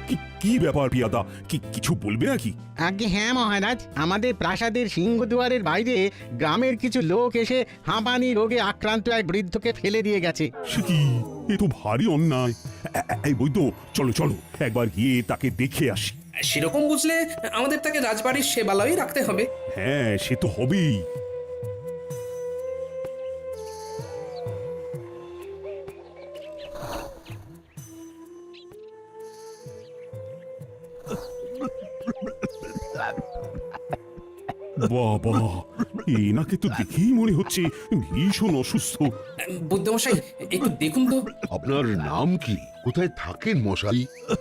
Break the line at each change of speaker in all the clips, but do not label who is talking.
কি ব্যাপার পিয়াদা? কিছু বলবে নাকি?
আগে হ্যাঁ মহারাজ, আমাদের প্রাসাদের সিংহদুয়ারের বাইরে গ্রামের কিছু লোক এসে হাঁপানি রোগে আক্রান্ত এক বৃদ্ধকে ফেলে দিয়ে গেছে।
সে কি? এ তো ভারী অন্যায়। এই বৈদ্য, চলো চলো একবার গিয়ে তাকে দেখে আসি।
সেরকম বুঝলে আমাদের তাকে রাজবাড়ির সেবালয়ে রাখতে হবে।
হ্যাঁ, সে তো হবেই। বাবা, এনাকে তো দেখেই মনে হচ্ছে ভীষণ অসুস্থ।
বুদ্ধমশাই, একটু দেখুন তো।
আপনার নাম কি? কোথায় থাকেন মশাই?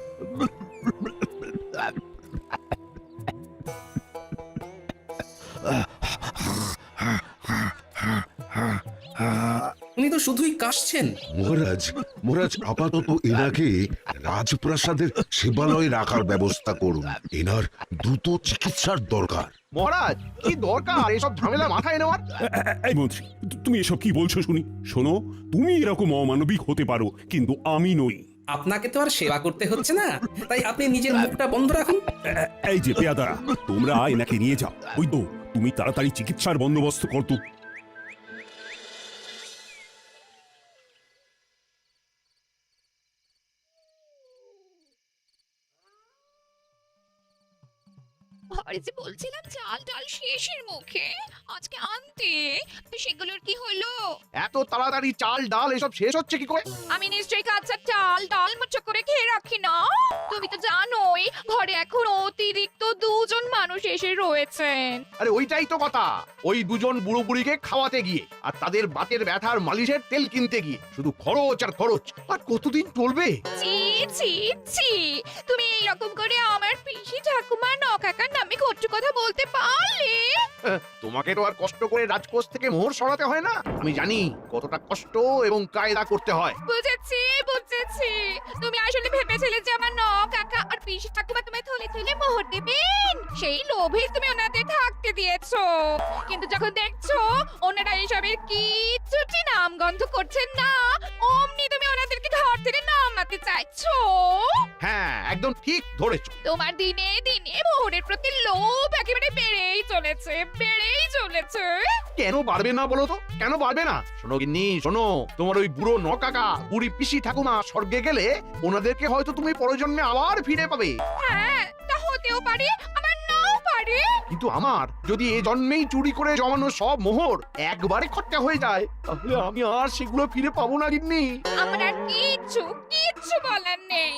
উনি তো শুধুই কাশছেন।
মহারাজ, মহারাজ আপাতত এনাকে রাজপ্রাসাদের সেবালয়ে রাখার ব্যবস্থা করুন। এনার দ্রুত চিকিৎসার দরকার।
মহারাজ, কি দরকার এসব ঝামেলা মাথায় নেওয়ার?
এই মন্ত্রী, তুমি এসব কি বলছো শুনি? শোনো, তুমি এরকম অমানবিক হতে পারো, কিন্তু আমি নই।
আপনাকে তো আর সেবা করতে হচ্ছে না, তাই আপনি নিজের মুখটা বন্ধ রাখুন।
এই যে পেয়াদারা, তোমরা এনাকে নিয়ে যাও। ওই তো, তুমি তাড়াতাড়ি চিকিৎসার বন্দোবস্ত করতো।
ঘরে যে বলছিলাম চাল ডাল শেষের মুখে, আজকে আনতে, তো সেগুলোর কি হলো?
এত তাড়াতাড়ি চাল ডাল এসব শেষ হচ্ছে কি করে?
আমি নিশ্চয়ই কাঁচা চাল ডাল মুঠো করে খেয়ে রাখি না। তুমি তো জানোই ঘরে এখন অতিরিক্ত দুজন মানুষ এসে রয়েছেন।
আরে ওইটাই তো কথা, ওই দুজন বুড়ো বুড়িকে খাওয়াতে গিয়ে আর তাদের বাতের ব্যথার মালিশের তেল কিনতে গিয়ে শুধু খরচ আর খরচ। আর কতদিন চলবে?
ছি ছি ছি, তুমি এইরকম করে আমার পিসি ঠাকুমা নকাকার নামে কটু কথা বলতে পারলে?
তোমাকে তো আর কষ্ট করে রাজকোষ থেকে মোহর সরাতে হয় না। আমি জানি কতটা কষ্ট এবং কায়দা করতে হয়।
বুঝেছি বুঝেছি, তুমি আসলে ভেবেছিলে যে আমার কাকা আর পিসি ঠাকুমা তোমায় থলে থলে মোহর দেবেন, সেই লোভে তুমি ওনাদের থাকতে দিয়েছো। কিন্তু যখন দেখছো ওনারা এইসবের কিচ্ছুটি নাম গন্ধ করছেন না, অমনি তুমি ওনাদেরকে ঘর থেকে নামাতে চাইছো।
হ্যাঁ, একদম ঠিক ধরেছো।
তোমার দিনে দিনে মোহরের প্রতি লোভ একেবারে বেড়েই চলেছে, বেড়েই চলেছে।
কেন পারবে না বলো তো? কেন পারবে না? শোনো গিন্নি, শোনো, তোমার ওই বুড়ো নকাকা বুড়ি পিসি ঠাকুমা স্বর্গে গেলে ওনাদেরকে হয়তো তুমি পরজন্মে আবার ফিরে পাবে।
হ্যাঁ, তা হতেও পারে, আবার নাও পারে।
কিন্তু আমার যদি এ জন্মেই চুরি করে জমানো সব মোহর একবারে খরচা হয়ে যায়, তাহলে আমি আর সেগুলো ফিরে পাবো না গিন্নি।
আমার আর কিচ্ছু কিচ্ছু বলার নেই।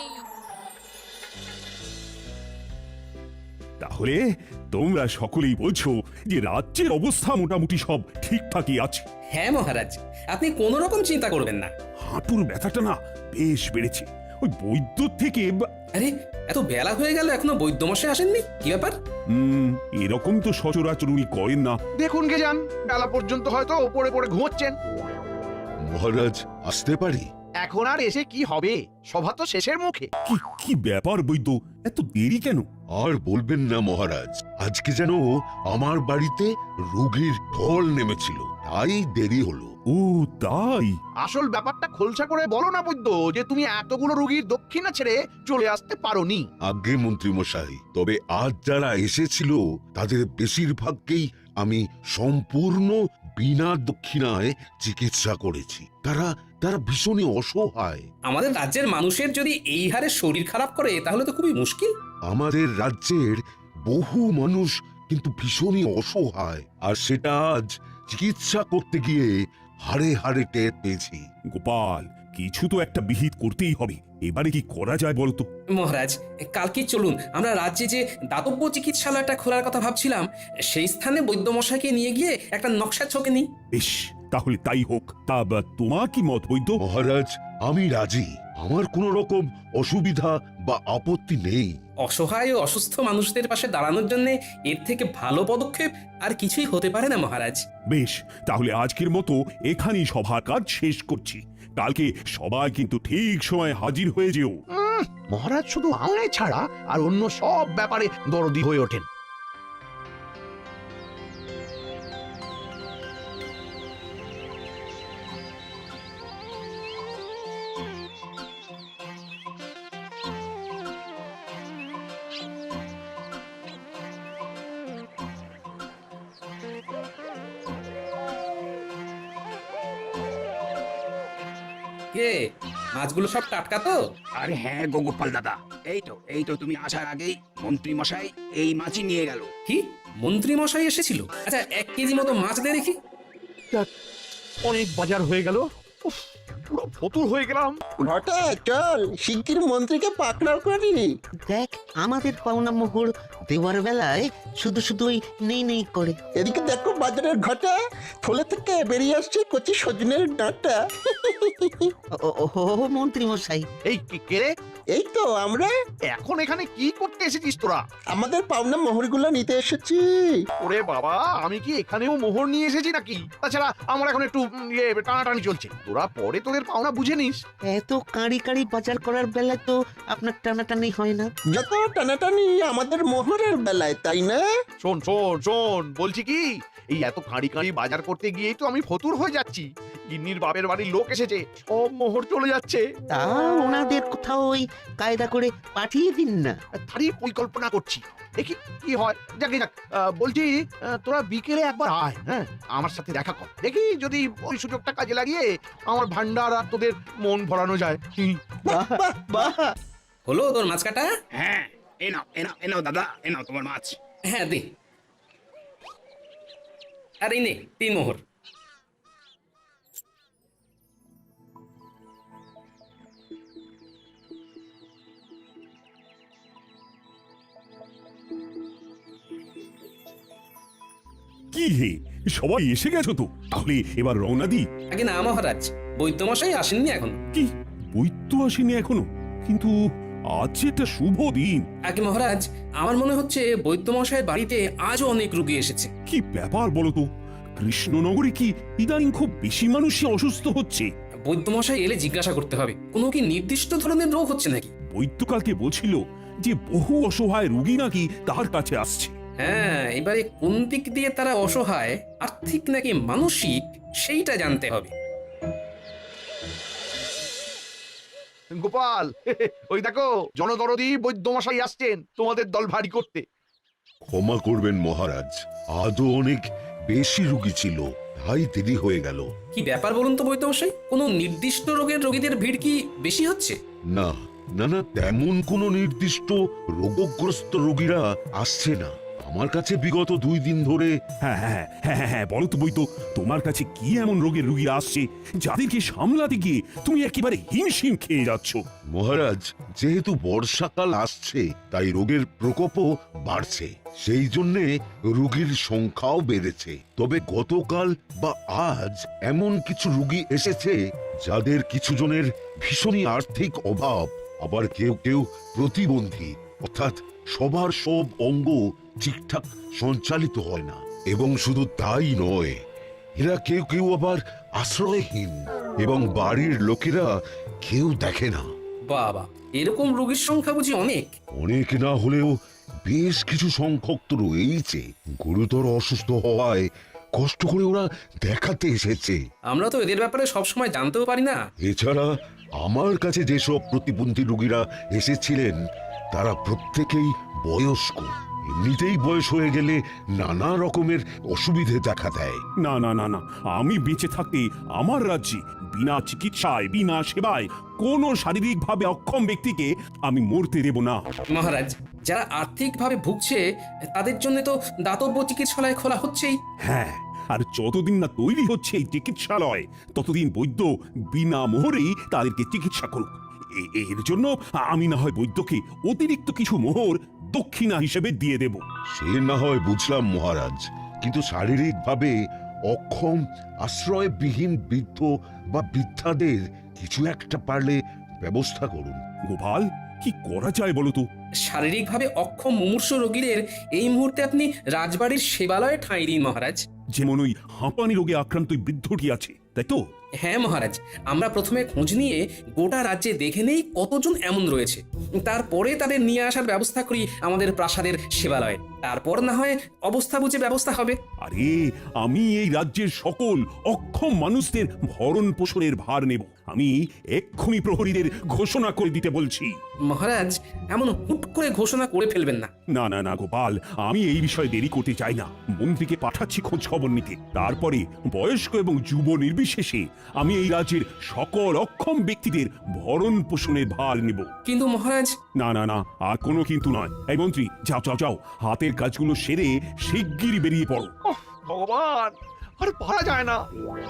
তাহলে তোমরা সকলেই বলছো যে রাজ্যের অবস্থা মোটামুটি সব ঠিকঠাকই আছে।
হ্যাঁ মহারাজ, আপনি কোনো রকম চিন্তা করবেন না।
হাঁটুর ব্যথাটা না বেশ বেড়েছে। ওই বৈদ্য থেকে
আরে, এত বেলা হয়ে গেল এখনো বৈদ্যমশাই আসেননি, কি ব্যাপার?
এরকম তো সচরাচর উনি করেন না।
দেখুন গে যান, বেলা পর্যন্ত হয়তো ওপরে পড়ে ঘুমোচ্ছেন।
মহারাজ, আসতে পারি?
এখন আর এসে কি হবে, সভা তো শেষের মুখে।
কি ব্যাপার বৈদ্য, এত দেরি কেন?
আর বলবেন না মহারাজ, আজকে যেন আমার বাড়িতে রোগীর ঢল নেমেছিল, তাই দেরি হলো।
ও তাই?
আসল ব্যাপারটা খোলসা করে বলো না বৈদ্য, যে তুমি এতগুলো রোগীর দক্ষিণা ছেড়ে চলে আসতে পারোনি।
আজ্ঞে মন্ত্রী মশাই, তবে আজ যারা এসেছিল তাদের বেশিরভাগকেই আমি সম্পূর্ণ বিনা দক্ষিণায় চিকিৎসা করেছি। তারা তারা ভীষণই অসহায়।
আমাদের রাজ্যের মানুষের যদি এই হারে শরীর খারাপ করে তাহলে তো খুবই মুশকিল।
আমাদের রাজ্যের বহু মানুষ কিন্তু ভীষণই অসহায়, আর সেটা আজ চিকিৎসা করতে গিয়ে হাড়ে হাড়ে টের পেয়েছি।
গোপাল, কিছু তো একটা বিহিত করতেই হবে। এবারে কি করা যায় বলতো?
মহারাজ, কালকে চলুন আমরা রাজ্যে যে দাতব্য চিকিৎসালয়টা খোলার কথা ভাবছিলাম সেই স্থানে বৈদ্যমশাইকে নিয়ে গিয়ে একটা নকশা ছকে নিই।
বেশ, তাহলে তাই হোক। তা তোমার কি মত বৈদ্য?
মহারাজ, আমি রাজি। আমার কোনো রকম অসুবিধা বা আপত্তি নেই।
অসহায় ও অসুস্থ মানুষদের পাশে দাঁড়ানোর জন্য এর থেকে ভালো পদক্ষেপ আর কিছুই হতে পারে না মহারাজ।
বেশ, তাহলে আজকের মতো এখানেই সভার কাজ শেষ করছি। কালকে সবাই কিন্তু ঠিক সময় হাজির হয়ে যেও।
মহারাজ শুধু আমায় ছাড়া আর অন্য সব ব্যাপারে দরদি হয়ে ওঠেন।
কে মাছগুলো সব টাটকা তো?
আরে হ্যাঁ গো গোপাল দাদা, এই তো তুমি আসার আগেই মন্ত্রী মশাই এই মাছই নিয়ে গেল।
কি মন্ত্রী মশাই এসেছিল? আচ্ছা 1 কেজি মতো মাছ দে দেখি।
অনেক বাজার হয়ে গেল, উফ, পুরো ফতুর হয়ে গেলাম।
ঘটা চল শিগগির মন্ত্রীকে পাকড়াও করে নি।
দেখ আমাদের পাওনা মোহর দেওয়ার বেলায় শুধু শুধু ওই নেই নেই করে।
এদিকে দেখো বাজারের ঘটা থলে থেকে বেরিয়ে আসছে কচি সজনের ডাঁটা।
ও মন্ত্রী মশাই,
এই কে রে?
এই তো আমরা
এখন এখানে কি করতে এসেছিস তোরা?
আমাদের পাওনা মোহরগুলো নিতে এসেছি।
ওরে বাবা, আমি কি এখানেও মোহর নিয়ে এসেছি নাকি? তাছাড়া আমার এখন একটু টানাটানি চলছে, তোরা পরে তোদের পাওনা বুঝে নিস।
এত কাঁড়ি কাঁড়ি বাজার করার বেলায় তো আপনার টানাটানি হয় না।
যত টানাটানি আমাদের মোহরের বেলায়, তাই না?
শোন শোন শোন, বলছি কি, এই এত কাঁড়ি কাঁড়ি বাজার করতে গিয়েই তো আমি ফতুর হয়ে যাচ্ছি। গিন্নির বাপের বাড়ির লোক এসেছে, সব মোহর চলে যাচ্ছে।
তা ওনাদের কোথাও ওই কায়দা করে পাঠিয়ে দিন না।
তারই পরিকল্পনা করছি, দেখি কি হয়। যাকে যাক, বলছি তোরা বিকেলে একবার আয়, হ্যাঁ আমার সাথে দেখা কর, দেখি যদি ওই সুযোগটা কাজে লাগিয়ে আমার ভান্ডার আর তোদের মন ভরানো যায়।
বাহ বাহ বাহ।
হলো তোর মাছ কাটা?
হ্যাঁ, এ নাও দাদা, এ নাও তোমার মাছ।
হ্যাঁ দে। আর এই নে 3 মোহর।
কি হে, সবাই এসে গেছো তো? তাহলে এবার রওনা দি।
আগে না মহারাজ, বৈদ্যমশাই আসেননি এখন।
কি বৈদ্য আসেনি এখনো? কিন্তু আজ যে একটা শুভ দিন।
আগে মহারাজ, আমার মনে হচ্ছে বৈদ্যমশাইয়ের বাড়িতে আজও অনেক রোগী এসেছে।
কি ব্যাপার বলো তো? কৃষ্ণনগরে কি ইদানিং খুব বেশি মানুষই অসুস্থ হচ্ছে?
বৈদ্যমশাই এলে জিজ্ঞাসা করতে হবে, কোনো কি নির্দিষ্ট ধরনের রোগ হচ্ছে নাকি?
বৈদ্য কালকে বলছিল যে বহু অসহায় রোগী নাকি তার কাছে আসছে।
হ্যাঁ, এবারে কোন দিক দিয়ে তারা অসহায়, আর্থিক নাকি মানসিক, সেইটা জানতে হবে।
গোপাল, ওই দেখো জনদরদি বৈদ্যমশাই আসছেন তোমাদের দল ভারী করতে।
ক্ষমা করবেন মহারাজ, আজও অনেক বেশি রোগী ছিল, তাই দেরি হয়ে গেল।
কি ব্যাপার বলুন তো বৈদ্যমশাই, কোনো নির্দিষ্ট রোগের রোগীদের ভিড় কি বেশি হচ্ছে?
না না না, তেমন কোনো নির্দিষ্ট রোগগ্রস্ত রোগীরা আসছে না আমার কাছে বিগত 2 দিন ধরে।
হ্যাঁ হ্যাঁ হ্যাঁ হ্যাঁ হ্যাঁ, বলো তো বৈদ্য, তোমার কাছে কি এমন রোগের রোগীরা আসছে যাদেরকে সামলাতে গিয়ে তুমি একেবারে হিমশিম খেয়ে যাচ্ছ?
মহারাজ, যেহেতু বর্ষাকাল আসছে তাই রোগের প্রকোপও বাড়ছে, সেই জন্যে রোগীর সংখ্যাও বেড়েছে। তবে গতকাল বা আজ এমন কিছু রোগী এসেছে যাদের কিছু জনের ভীষণই আর্থিক অভাব, আবার কেউ কেউ প্রতিবন্ধী, অর্থাৎ সবার সব অঙ্গ ঠিকঠাক সঞ্চালিত হয় না। এবং শুধু তাই নয়, এরা কেউ কেউ আবার আশ্রয়হীন এবং বাড়ির লোকেরা কেউ দেখে না।
বাবা, এরকম রোগীর সংখ্যা বুঝি অনেক?
অনেক না হলেও বেশ কিছু সংখ্যক তো রয়েছে। গুরুতর অসুস্থ হওয়ায় কষ্ট করে ওরা দেখাতে এসেছে।
আমরা তো এদের ব্যাপারে সবসময় জানতেও পারি না।
এছাড়া আমার কাছে যেসব প্রতিবন্ধী রোগীরা এসেছিলেন তারা প্রত্যেকেই বয়স্ক। এমনিতেই বয়স হয়ে গেলে নানা রকমের অসুবিধে দেখা দেয়।
না না না না, আমি বেঁচে থাকতে আমার রাজ্যে বিনা চিকিৎসায় বিনা সেবায় কোনো শারীরিকভাবে অক্ষম ব্যক্তিকে আমি মরতে দেব না।
মহারাজ, যারা আর্থিকভাবে ভুগছে তাদের জন্য তো দাতব্য চিকিৎসালয় খোলা হচ্ছেই।
হ্যাঁ, আর যতদিন না তৈরি হচ্ছে এই চিকিৎসালয় ততদিন বৈদ্য বিনা মোহরেই তাদেরকে চিকিৎসা করুক। এর জন্য আমি না হয় বৈদ্যকে অতিরিক্ত কিছু মোহর দক্ষিণা হিসেবে দিয়ে দেব।
সে না হয় বুঝলাম মহারাজ, কিন্তু শারীরিকভাবে অক্ষম আশ্রয়বিহীন বৃদ্ধ বা বৃদ্ধাদের কিছু একটা পারলে ব্যবস্থা করুন।
গোপাল, কি করা যায় বলো তো?
শারীরিকভাবে অক্ষম মুমূর্ষু রোগীদের এই মুহূর্তে আপনি রাজবাড়ির সেবালয়ে ঠাঁই দিন মহারাজ।
যেমন ওই হাঁপানি রোগে আক্রান্ত ওই বৃদ্ধটি আছে, তাই তো?
হ্যাঁ মহারাজ, আমরা প্রথমে খোঁজ নিয়ে গোটা রাজ্যে দেখে নেই কতজন এমন রয়েছে, তারপরে তাদের নিয়ে আসার ব্যবস্থা করি আমাদের প্রাসাদের সেবালয়ে। তারপর না হয় অবস্থা বুঝে ব্যবস্থা হবে।
আরে, আমি এই রাজ্যের সকল অক্ষম মানুষদের ভরণ পোষণের ভার নেব। আমি এক্ষুনি প্রহরীদের ঘোষণা করে দিতে বলছি।
মহারাজ, এমন হুট করে ঘোষণা করে ফেলবেন না।
না না না গোপাল, আমি এই বিষয়ে দেরি করতে চাই না। মন্ত্রীকে পাঠাচ্ছি খোঁজ খবর নিতে, তারপরে বয়স্ক এবং যুব নির্বিশেষে আমি এই রাজ্যের সকল অক্ষম ব্যক্তিদের ভরণ পোষণের ভার নেব।
কিন্তু মহারাজ,
না না না, আর কোনো কিন্তু নয়। এই মন্ত্রী, যাও যাও যাও, হাতের কাজগুলো সেরে শিগগিরই বেরিয়ে পড়ো।
ওহ, ভগবান, আর পারা যায় না।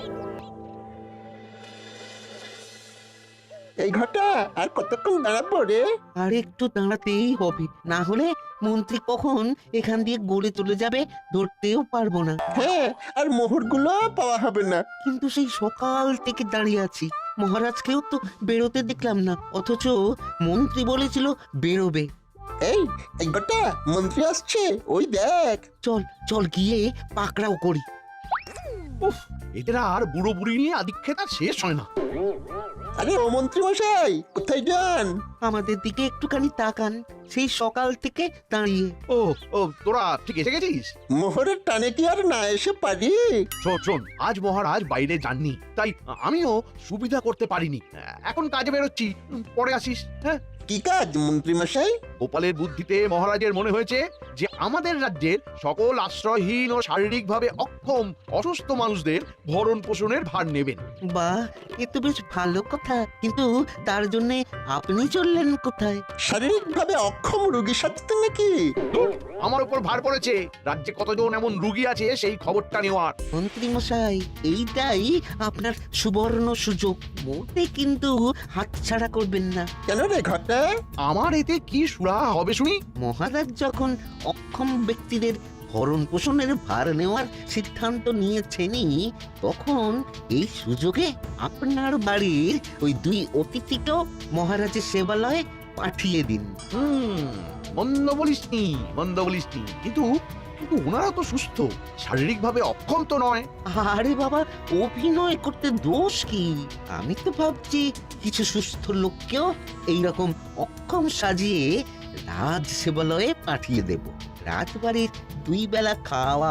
এই ঘটা আর কতক্ষণ দাঁড়াবো রে?
আর একটু দাঁড়াতেই হবে, না হলে মন্ত্রী কখন এখান দিয়ে গড়ে চলে যাবে ধরতেও পারবো না।
হ্যাঁ, আর মোহরগুলো পাওয়া হবে না।
কিন্তু সেই সকাল থেকে দাঁড়িয়ে আছি, মহারাজকেও তো বেরোতে দেখলাম না, অথচ মন্ত্রী বলেছিল বেরোবে।
এই এই ঘটা, মন্ত্রী আসছে, ওই দেখ।
চল চল গিয়ে পাকড়াও করি।
উফ, এদের আর বুড়ো বুড়ি নিয়ে আদিক্ষেতা শেষ হয় না।
আরে ও মন্ত্রী মশাই, কোথায় যান?
আমাদের দিকে একটুখানি তাকান, সেই সকাল থেকে দাঁড়িয়ে।
ও ও, তোরা ঠিক এসে গেছিস?
মোহরের টানে কি আর না এসে পারি?
শোন শোন, আজ মহারাজ বাইরে যাননি, তাই আমিও সুবিধা করতে পারিনি। এখন কাজে বেরোচ্ছি, পরে আসিস। হ্যাঁ,
কি কাজ মন্ত্রী মশাই?
গোপালের বুদ্ধিতে মহারাজের মনে হয়েছে যে আমাদের রাজ্যের সকল আশ্রয়হীন ও শারীরিকভাবে অক্ষম অসুস্থ মানুষদের ভরণ পোষণের ভার নেবেন।
বাহ, এ তো বেশ ভালো কথা, কিন্তু তার জন্য আপনি চললেন কোথায়?
শারীরিকভাবে অক্ষম রোগী সাজতে নাকি?
ধুর, আমার উপর ভার পড়েছে রাজ্যে কতজন এমন রুগী আছে সেই খবরটা নেওয়ার।
মন্ত্রী মশাই, এইটাই আপনার সুবর্ণ সুযোগ, মোটে কিন্তু হাতছাড়া করবেন না।
কেন রে ঘটা?
আমার এতে কি সুরাহা হবে শুনি?
মহারাজ যখন অক্ষম ব্যক্তিদের ভরণ পোষণের ভার নেওয়ার সিদ্ধান্ত নিয়েছেনই, তখন এই সুযোগে আপনার বাড়ির ওই 2 অতিথিকেও মহারাজের সেবালয়ে পাঠিয়ে দিন।
মন্দ বলিসনি, মন্দ বলিসনি, কিন্তু কিন্তু ওনারা তো সুস্থ, শারীরিকভাবে অক্ষম তো নয়।
আরে বাবা, অভিনয় করতে দোষ কি? আমি তো ভাবছি কিছু সুস্থ লোককেও এইরকম অক্ষম সাজিয়ে রাজ সেবালয়ে পাঠিয়ে দেব। রাজবাড়ির 2 বেলা খাওয়া,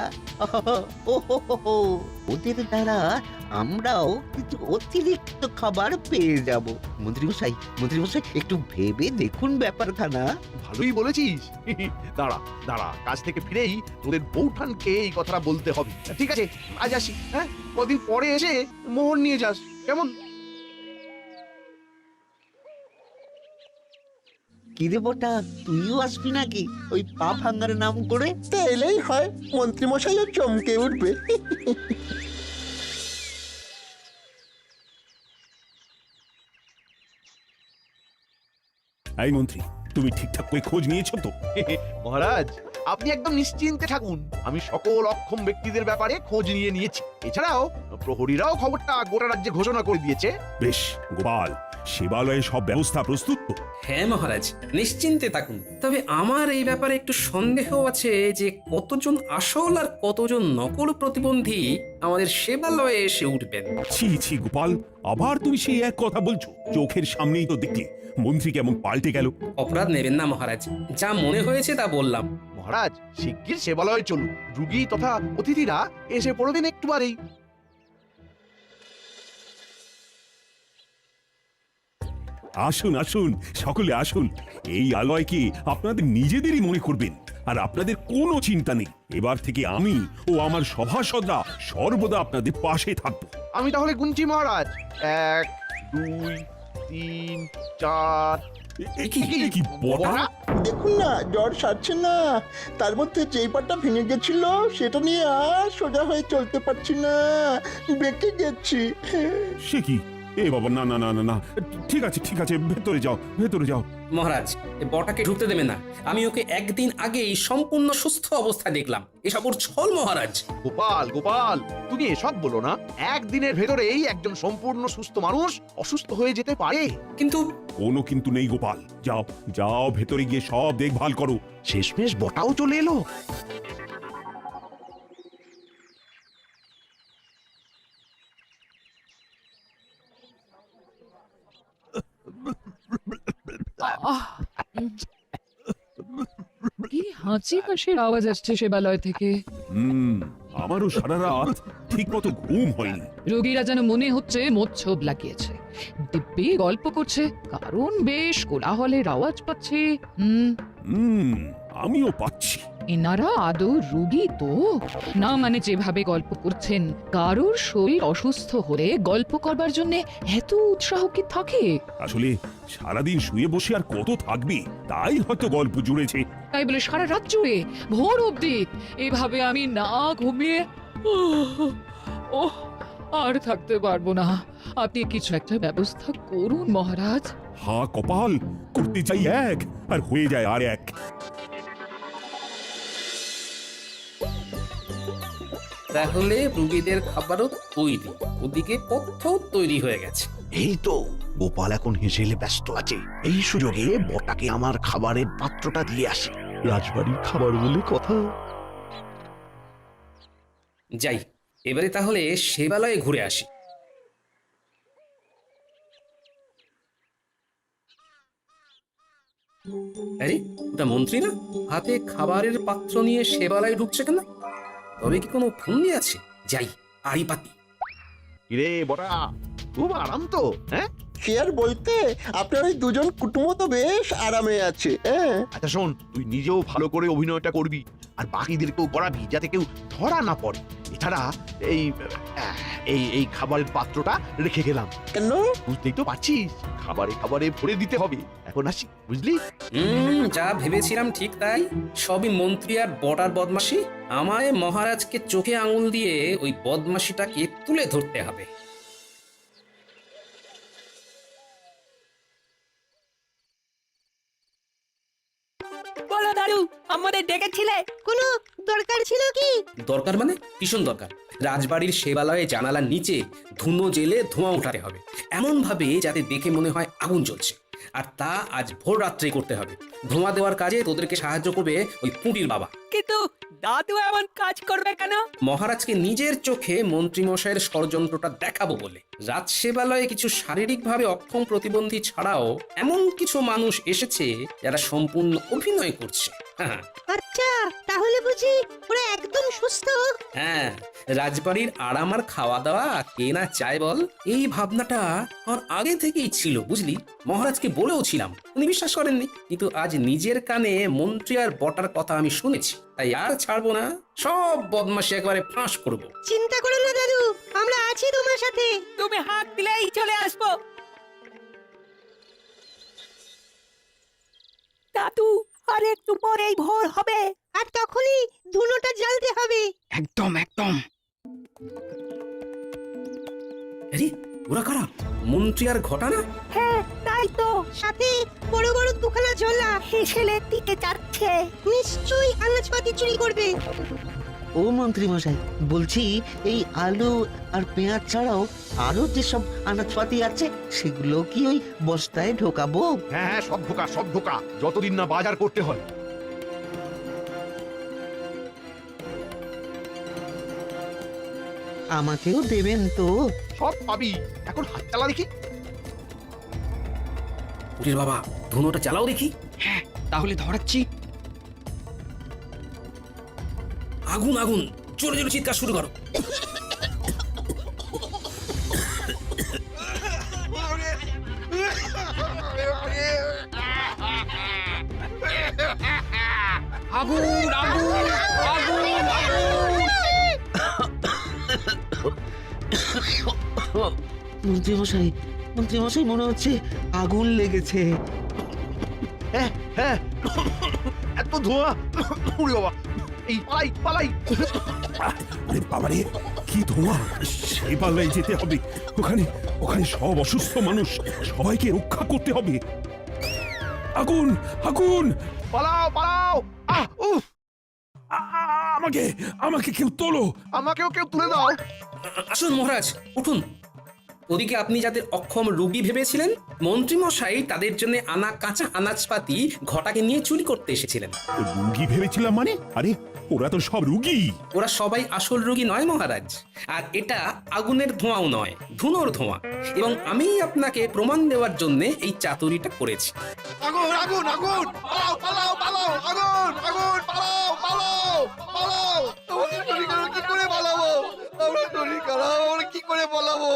ওদের দ্বারা আমরাও কিছু অতিরিক্ত খাবার পেয়ে যাব। মন্ত্রী মশাই একটু ভেবে দেখুন ব্যাপারখানা।
ভালোই বলেছিস। দাঁড়া দাঁড়া, কাজ থেকে ফিরেই তোদের বৌঠানকে এই কথাটা বলতে হবে। ঠিক আছে, আজ আসি। হ্যাঁ, কদিন পরে এসে মোহর নিয়ে যাস, কেমন?
কিরে বটা, তুইও আসবি নাকি ওই পা ভাঙ্গার নাম করে?
তা এলেই হয়, মন্ত্রী মশাইও চমকে উঠবে।
এই মন্ত্রী, তুমি ঠিকঠাক করে খোঁজ নিয়েছো তো?
মহারাজ, আপনি একদম নিশ্চিন্তে থাকুন, আমি সকল অক্ষম ব্যক্তিদের ব্যাপারে খোঁজ নিয়েছি। এছাড়াও প্রহরীরাও খবরটা গোটা রাজ্যে ঘোষণা করে দিয়েছে।
বেশ গোপাল, সেবালয়ে সব ব্যবস্থা প্রস্তুত তো?
হ্যাঁ মহারাজ, নিশ্চিন্তে থাকুন। তবে আমার এই ব্যাপারে একটু সন্দেহ আছে যে কতজন আসল আর কতজন নকল প্রতিবন্ধী আমাদের সেবালয়ে এসে উঠবেন।
ছি ছি গোপাল, আবার তুমি সেই এক কথা বলছো? চোখের সামনেই তো দেখলে মন্ত্রী কেমন পাল্টে গেল।
অপরাধ নেবেন না মহারাজ, যা মনে হয়েছে তা বললাম।
মহারাজ, শিগগির সেবালয়ে চলুন, রুগী তথা অতিথিরা এসে পড়বেন একটু বারেই।
আসুন আসুন, সকলে আসুন। এই আলয়কে আপনাদের নিজেদেরই মনে করবেন, আর আপনাদের কোনো চিন্তা নেই। এবার থেকে আমি ও আমার সভাসদরা সর্বদা আপনাদের পাশে থাকবো।
আমি তাহলে গুনছি মহারাজ, 1 2 3 4।
এ কি বটা?
দেখুন না, জ্বর সারছে না, তার মধ্যে যেই পাটা ভেঙে গেছিল সেটা নিয়ে আর সোজা হয়ে চলতে পারছি না, বেঁকে গেছি।
সে কি? এ বাবা, না না না না না, ঠিক আছে ঠিক আছে, ভেতরে যাও ভেতরে যাও।
মহারাজ, এ বটাকে ঢুকতে দেবে না। আমি ওকে একদিন আগেই সম্পূর্ণ সুস্থ অবস্থায় দেখলাম। এসব ওর ছল মহারাজ।
গোপাল গোপাল, তুমি এসব বলো না। একদিনের ভেতরেই একজন সম্পূর্ণ সুস্থ মানুষ অসুস্থ হয়ে যেতে পারে।
কিন্তু
কোনো কিন্তু নেই গোপাল, যাও যাও ভেতরে গিয়ে সব দেখভাল করো।
শেষমেশ বটাও চলে এলো।
কি হাঁচি কাশির আওয়াজ আসছে সেবালয় থেকে।
আমারও সারা রাত ঠিক মতো ঘুম হয়নি।
রোগীরা যেন মনে হচ্ছে মোচ্ছব লাগিয়েছে, দিব্যি গল্প করছে, কারণ বেশ কোলাহলের আওয়াজ পাচ্ছে।
আমিও পাচ্ছি।
এনারা আদৌ রুগী তো না? মানে যেভাবে গল্প করছেন, কারোর শরীর অসুস্থ হলে গল্প করবার জন্য এত উৎসাহ কি থাকে?
আসলে সারাদিন শুয়ে বসে আর কত থাকবি, তাই হয়তো গল্প জুড়েছে।
তাই বলে সারা রাত জুড়ে ভোর অবধি এভাবে আমি না ঘুমিয়ে ওহ আর থাকতে পারবো না। আপনি কিছু একটা ব্যবস্থা করুন মহারাজ।
হা কপাল, করতে চাই এক আর হয়ে যায় আর এক।
তাহলে রুগীদের খাবারও তৈরি, ওদিকে পথ্য তৈরি হয়ে গেছে।
এই তো গোপাল এখন হেসেলে ব্যস্ত আছে, এই সুযোগে বটাকে আমার খাবারের পাত্রটা দিয়ে আসি। রাজবাড়ির খাবার বলে কথা।
যাই, এবারে তাহলে সেবালয়ে ঘুরে আসি। আরে ওটা মন্ত্রী না? হাতে খাবারের পাত্র নিয়ে সেবালয়ে ঢুকছে কেন? তবে কি কোনো ফন্দি আছে? যাই, আড়ি পাতি।
কিরে বটা, খুব আরাম তো? হ্যাঁ
সে আর বলতে, আপনার ওই দুজন কুটুমো তো বেশ আরামে আছে। হ্যাঁ,
আচ্ছা শোন, তুই নিজেও ভালো করে অভিনয়টা করবি আর বাকিদেরকেও করাবি, যাতে কেউ ধরা না পড়ে। এছাড়া এই এই এই খাবারের পাত্রটা রেখে গেলাম,
কেন?
বুঝতেই তো পারছিস, খাবারে খাবারে ভরে দিতে হবে। এখন আসি, বুঝলি?
যা ভেবেছিলাম ঠিক তাই। সবই মন্ত্রী আর বটার বদমাশি। আমায় মহারাজকে চোখে আঙুল দিয়ে ওই বদমাশিটাকে তুলে ধরতে হবে।
বলো দাদু, আমাদের ডেকেছিলে? কোনো দরকার ছিল কি?
দরকার মানে ভীষণ দরকার। রাজবাড়ির সেবালয়ে জানালার নিচে ধুনো জেলে ধোঁয়া উঠাতে হবে, এমন ভাবে যাতে দেখে মনে হয় আগুন জ্বলছে। আর তা আজ ভোর রাত্রে করতে হবে। ধোঁয়া দেওয়ার কাজে তোদেরকে সাহায্য করবে ওই পুঁটির বাবা।
কিন্তু দাদু এমন কাজ করবে কেন?
মহারাজকে নিজের চোখে মন্ত্রীমশাইয়ের ষড়যন্ত্রটা দেখাবো বলে। রাজসেবালয়ে কিছু শারীরিকভাবে অক্ষম প্রতিবন্ধী ছাড়াও এমন কিছু মানুষ এসেছে যারা সম্পূর্ণ অভিনয় করছে। হ্যাঁ
আচ্ছা, তাহলে বুঝি ওরা একদম সুস্থ?
হ্যাঁ, রাজবাড়ির আরাম আর খাওয়া দাওয়া কে না চায় বল? এই ভাবনাটা আমার আগে থেকেই ছিল, বুঝলি? মহারাজকে বলেও ছিলাম, উনি বিশ্বাস করেননি। কিন্তু আজ নিজের কানে মন্ত্রী আর বটার কথা আমি শুনেছি, তাই আর ছাড়বো না। সব বদমাশি একবারে ফাঁস করব।
চিন্তা করো না দাদু, আমরা আছি তোমার সাথে। তুমি হাত দিলেই চলে আসবো। দাদু, আর একটু পরেই ভোর হবে, আর তখনই ধুনোটা জ্বালতে হবে।
একদম একদম।
আরে ওরা কারা? মন্ত্রী আর ঘটানা?
হ্যাঁ তাই তো, সাথে বড় বড় দুখানা ঝোলা হেসেলের দিকে যাচ্ছে। নিশ্চয়ই আনাজপাতি চুরি করবে।
ও মন্ত্রী মশাই, বলছি এই আলু আর পেঁয়াজ ছাড়াও আরো যেসব আনাজপাতি আছে সেগুলো কি ওই বস্তায় ঢোকাবো?
হ্যাঁ হ্যাঁ, সব ঢোকা, সব ঢোকা, যতদিন না বাজার করতে হয়।
আমাকেও দেবেন তো?
সব পাবি, এখন হাত চালা দেখি।
পুটির বাবা, ধুনোটা চালাও দেখি।
হ্যাঁ, তাহলে ধরাচ্ছি।
আগুন আগুন, জোরে জোরে চিৎকার শুরু করো।
আগুন আগুন আগুন
মন্ত্রী মশাই, মন্ত্রী মশাই, মনে হচ্ছে আগুন লেগেছে।
হ্যাঁ হ্যাঁ, এত ধোঁয়া, উড়ে বাবা, এই পালাই পালাই।
আরে বাবারে, কি ধোঁয়া! সেই পাল্লায় যেতে হবে। ওখানে ওখানে সব অসুস্থ মানুষ, সবাইকে রক্ষা করতে হবে। আগুন আগুন!
পালাও পালাও। উফ,
আমাকে আমাকে কেউ তোলো।
আমাকেও কেউ তুলে দাও।
আসুন মহারাজ, উঠুন। ওদিকে আপনি যাদের অক্ষম রোগী ভেবেছিলেন, মন্ত্রী মশাই তাদের জন্য আনা কাঁচা আনাজপাতি ঘটাকে নিয়ে চুরি করতে এসেছিলেন।
রুগী ভেবেছিলাম মানে? আরে ওরা তো সব রুগী।
ওরা সবাই আসল রোগী নয় মহারাজ। আর এটা আগুনের ধোঁয়াও নয়, ধুনোর ধোঁয়া। এবং আমি আপনাকে প্রমাণ দেওয়ার জন্য এই চাতুরিটা করেছি।
আগুন আগুন আগুন, পালাও পালাও পালাও, আগুন আগুন, পালাও পালাও পালাও। আমাদের শরীর কি করে পালাবো? আমরা শরীর খারাপ, আমরা কি করে পালাবো?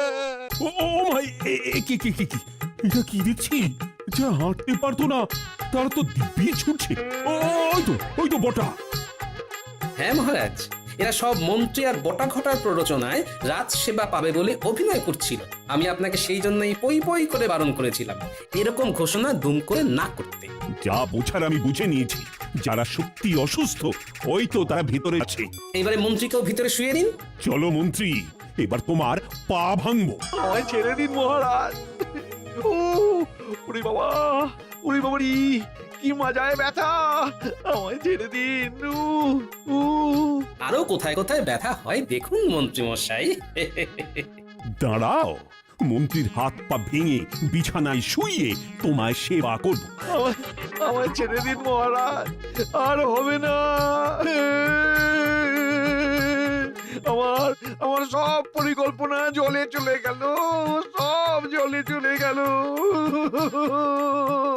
ও ভাই, কি কি কি কি এটা কি দেখছি? যা হাঁটতে পারতো না তারা তো দিব্যি ছুটছে। ওই তো বটা।
হ্যাঁ মহারাজ, এরা সব মন্ত্রী আর বটা ঘটার প্ররোচনায় রাজ সেবা পাবে বলে অভিনয় করছিল। আমি আপনাকে সেই জন্যই পই পই করে বারণ করেছিলাম এরকম ঘোষণা দুম করে না করতে।
যা বোঝার আমি বুঝে নিয়েছি। যারা সত্যি অসুস্থ ওই তো তারা ভিতরে আছে।
এইবারে মন্ত্রীকেও ভিতরে শুয়ে নিন।
চলো মন্ত্রী, এবার তোমার পা ভাঙবো।
আমায় ছেড়ে দিন মহারাজ। ওরে বাবা, ওরে বাবারি, কি মজায় ব্যথা! আমায় ছেড়ে দিন।
আরো কোথায় কোথায় ব্যথা হয় দেখুন মন্ত্রী মশাই।
দাঁড়াও, মন্ত্রীর হাত পা ভেঙে বিছানায় শুইয়ে তোমায় সেবা করব।
আমায় ছেড়ে দিন মহারাজ, আর হবে না। আমার সব পরিকল্পনা জলে চলে গেল, সব জলে চলে গেল।